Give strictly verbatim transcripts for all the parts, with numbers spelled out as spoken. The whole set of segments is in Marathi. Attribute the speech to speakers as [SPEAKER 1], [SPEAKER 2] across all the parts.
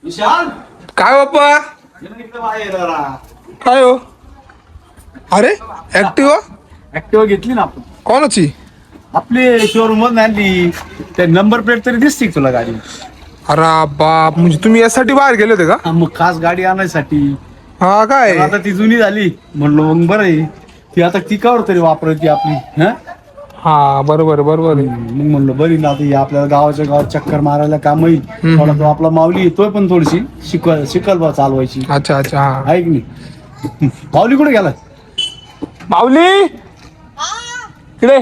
[SPEAKER 1] विशाल
[SPEAKER 2] काय बाप्पा
[SPEAKER 1] इकडे बाहेर जरा.
[SPEAKER 2] काय हो? अरे ऍक्टिवा
[SPEAKER 1] ऍक्टिवा घेतली ना आपण
[SPEAKER 2] कोणाची?
[SPEAKER 1] आपली शोरूम मधून आणली. ते नंबर प्लेट तरी दिसते का तुला गाडी?
[SPEAKER 2] अरे बाप, म्हणजे तुम्ही यासाठी बाहेर गेले होते का?
[SPEAKER 1] हा, मग खास गाडी आणायसाठी.
[SPEAKER 2] हा काय?
[SPEAKER 1] आता ती जुनी झाली म्हणलो मग बरं आहे ती आता ती कावर तरी वापरायची आपली. हा
[SPEAKER 2] हा बरोबर आहे, बरोबर आहे.
[SPEAKER 1] मग म्हणलं बरी ना आता ही आपल्याला गावाच्या गावात चक्कर मारायला काम येईल. थोडा तो आपला माऊली येतोय पण थोडीशी शिकवा शिकल बा चालवायची.
[SPEAKER 2] अच्छा अच्छा हा.
[SPEAKER 1] आहे की नाही? माऊली कुठे गेला?
[SPEAKER 2] माऊली इकडे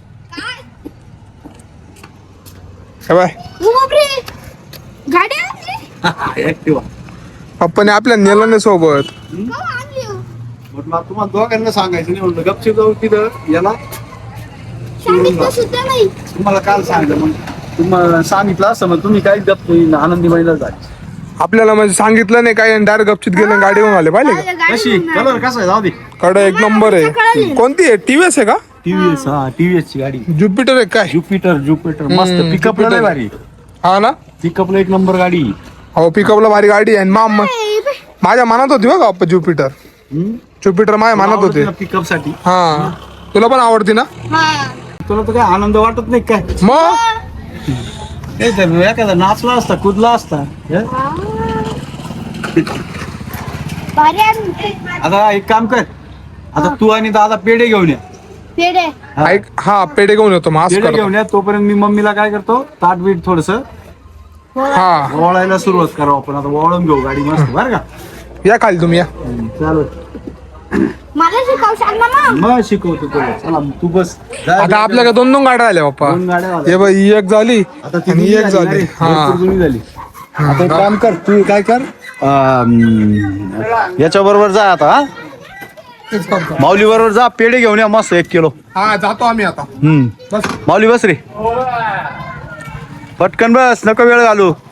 [SPEAKER 2] हे बाय.
[SPEAKER 3] गाडी आणली
[SPEAKER 1] ऍक्टिवा.
[SPEAKER 2] पप्पाने आपल्या नेलं नाही सोबत.
[SPEAKER 3] का आणली हो?
[SPEAKER 1] म्हटलं आता तुम्हाला दोघांना सांगायचं नाही म्हणलं गपचीप जाऊ तिथं याला.
[SPEAKER 3] सांगितलं सुद्धा नाही.
[SPEAKER 1] तुम्हाला काल सांगितलं मग तुम्हाला सांगितलं असं मग तुम्ही काही गप नाही आनंदी महिला झाली.
[SPEAKER 2] आपल्याला म्हणजे सांगितलं नाही काय, डायरेक्ट गपचित गेले गाडी घेऊन आले पाहिले का?
[SPEAKER 3] माझ्या गाडी
[SPEAKER 1] कशी
[SPEAKER 3] घेऊन
[SPEAKER 1] कलर कसा आहे जाऊ दे.
[SPEAKER 2] कडे एक नंबर आहे. कोणती आहे? टीव्हीएस आहे का?
[SPEAKER 1] टीव्हीएस हा टीव्हीएस ची गाडी
[SPEAKER 2] ज्युपिटर आहे काय?
[SPEAKER 1] ज्युपिटर ज्युपिटर मस्त
[SPEAKER 2] हम्म,
[SPEAKER 1] पिकअपला लय
[SPEAKER 2] Jupiter.
[SPEAKER 1] भारी.
[SPEAKER 2] हा ना.
[SPEAKER 1] पिकअपला एक नंबर गाडी.
[SPEAKER 2] हो पिकअपला भारी गाडी आहे. मा मा- माझ्या मनात होती बघा अप्पा ज्युपिटर. ज्युपिटर माझ्या मनात होते.
[SPEAKER 1] पिकअप साठी.
[SPEAKER 2] हा तुला पण आवडती ना?
[SPEAKER 3] हा.
[SPEAKER 1] तुला तर काय आनंद वाटत नाही काय?
[SPEAKER 2] मग
[SPEAKER 1] ते तर एखादा नाचला असता कुदला असता. हे?
[SPEAKER 3] भारी आणली.
[SPEAKER 1] आता एक काम कर आता तू आणि दादा पेढे घेऊन या.
[SPEAKER 3] पेढे
[SPEAKER 1] हा.
[SPEAKER 2] ऐक हा पेढे घेऊन येतो मग असं
[SPEAKER 1] पेढे
[SPEAKER 2] करतो.
[SPEAKER 1] घेऊन या तोपर्यंत मी मम्मीला काय करतो ताट बीट थोडस
[SPEAKER 2] हा
[SPEAKER 1] वळायला सुरुवात करू आपण. आता वळून घेऊ गाडी मस्त बरं का?
[SPEAKER 2] या खाली तुम्ही या.
[SPEAKER 1] चालू
[SPEAKER 3] मला शिकाव सांग ना मग.
[SPEAKER 1] मग शिकवतो तुला. चला तू बस जा.
[SPEAKER 2] आता आपल्याकडे दोन दोन गाड्या आल्या बाप्पा.
[SPEAKER 1] दोन गाड्या आल्या.
[SPEAKER 2] हे बाई ही एक झाली
[SPEAKER 1] आता ती
[SPEAKER 2] आणि
[SPEAKER 1] जुनी
[SPEAKER 2] एक
[SPEAKER 1] झाली ना
[SPEAKER 2] झाली.
[SPEAKER 1] रे,
[SPEAKER 2] हा
[SPEAKER 1] भरपूर जुनी झाली. आता एक काम कर तू काय कर याच्या बरोबर जा आता. हा?
[SPEAKER 2] तेच करतो.
[SPEAKER 1] माऊली बरोबर जा पेढे घेऊन या मस्त एक किलो.
[SPEAKER 2] हा जातो आम्ही आता.
[SPEAKER 1] हम्म
[SPEAKER 2] बस
[SPEAKER 1] माऊली बस रे पटकन बस नको वेळ घालू.